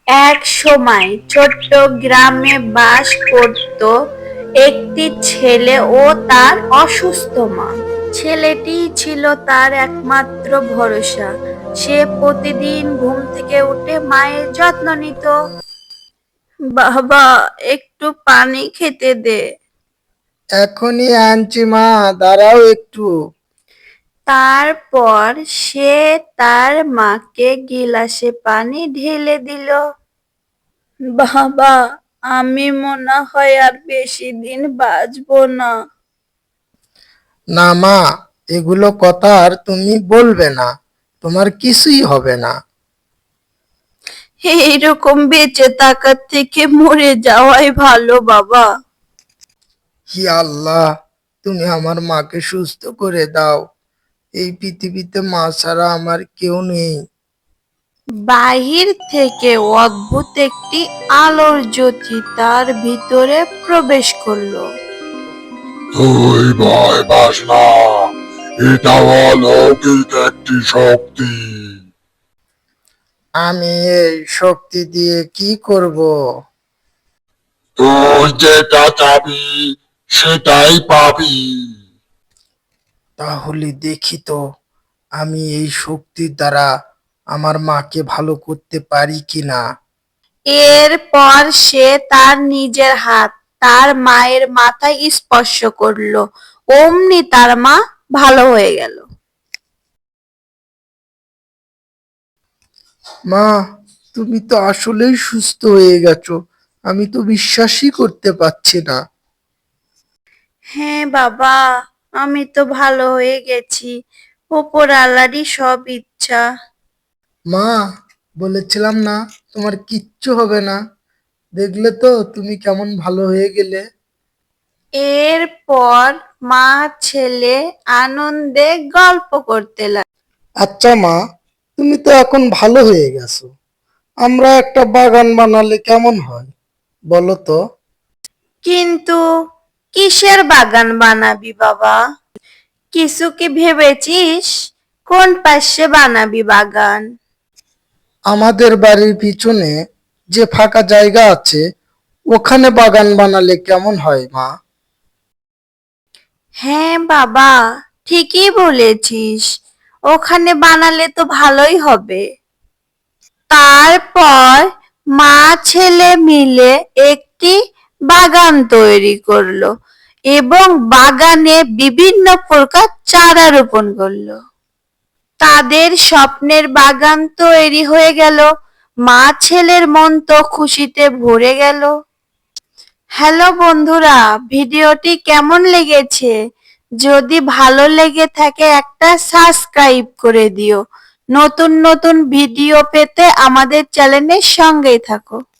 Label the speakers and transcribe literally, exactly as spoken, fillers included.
Speaker 1: এক সময় ছোট্ট গ্রামে বাস করত একটি ছেলে ও তার অসুস্থ মা। ছেলেটি ছিল তার একমাত্র ভরসা। সে প্রতিদিন ঘুম থেকে উঠে মায়ের যত্ন নিত। বাবা, একটু পানি খেতে দে।
Speaker 2: এখনই আনছি মা, দাঁড়াও একটু।
Speaker 1: তারপর সে তার মাকে গিলাসে পানি ঢেলে দিল। বাবা, আমি মনে হয় আর বেশি দিন বাঁচবো না।
Speaker 2: না মা, এগুলো কথা আর তুমি বলবে না, তোমার কিছুই হবে না।
Speaker 1: এইরকম বেঁচে থাকার থেকে মরে যাওয়াই ভালো বাবা।
Speaker 2: হি আল্লাহ, তুমি আমার মাকে সুস্থ করে দাও। এই পৃথিবীতে মা ছাড়া আমার কেউ নেই।
Speaker 1: বাহির থেকে অদ্ভুত একটি আলোর জ্যোতি তার ভিতরে প্রবেশ করলো।
Speaker 3: তুই ভয় পাস না, এটা অলৌকিক একটি শক্তি।
Speaker 2: আমি এই শক্তি দিয়ে কি করব?
Speaker 3: তুই যেটা চাবি সেটাই পাবি।
Speaker 2: তাহলে দেখি তো, আমি এই শক্তির দ্বারা আমার মাকে ভালো করতে পারি কিনা।
Speaker 1: এরপর সে তার নিজের হাত তার মায়ের মাথায় স্পর্শ করলো। অমনি তার মা ভালো হয়ে গেল।
Speaker 2: মা, তুমি তো আসলেই সুস্থ হয়ে গেছো, আমি তো বিশ্বাসই করতে পারছি না।
Speaker 1: হ্যাঁ বাবা, আমি তো ভালো হয়ে গেছি। ওপর আল্লাহরই সব ইচ্ছা।
Speaker 2: মা, বলেছিলাম না তোমার কিচ্ছু হবে না, দেখলে তো তুমি কেমন ভালো হয়ে গেলে।
Speaker 1: এরপর মা ছেলে আনন্দে গল্প করতে লাগলো।
Speaker 2: আচ্ছা মা, তুমি তো এখন ভালো হয়ে গেছো, আমরা একটা বাগান বানালে কেমন হয় বলো তো?
Speaker 1: কিন্তু কিসের বাগান বানাবি বাবা? কিছু কি ভেবেছিস? কোন পাশে বানাবি বাগান?
Speaker 2: আমাদের বাড়ির পিছনে যে ফাঁকা জায়গা আছে, ওখানে বাগান বানালে কেমন হয় মা?
Speaker 1: হ্যাঁ বাবা, ঠিকই বলেছিস। ওখানে বানালে তো ভালোই হবে। তারপর মা ছেলে মিলে একটি বাগান তৈরি করলো এবং বাগানে বিভিন্ন প্রকার চারা রোপণ করলো। তাদের স্বপ্নের বাগান তৈরি হয়ে গেল। মা ছেলের মন তো খুশিতে ভরে গেল। হ্যালো বন্ধুরা, ভিডিওটি কেমন লেগেছে? যদি ভালো লেগে থাকে একটা সাবস্ক্রাইব করে দিও। নতুন নতুন ভিডিও পেতে আমাদের চ্যানেলের সঙ্গেই থাকো।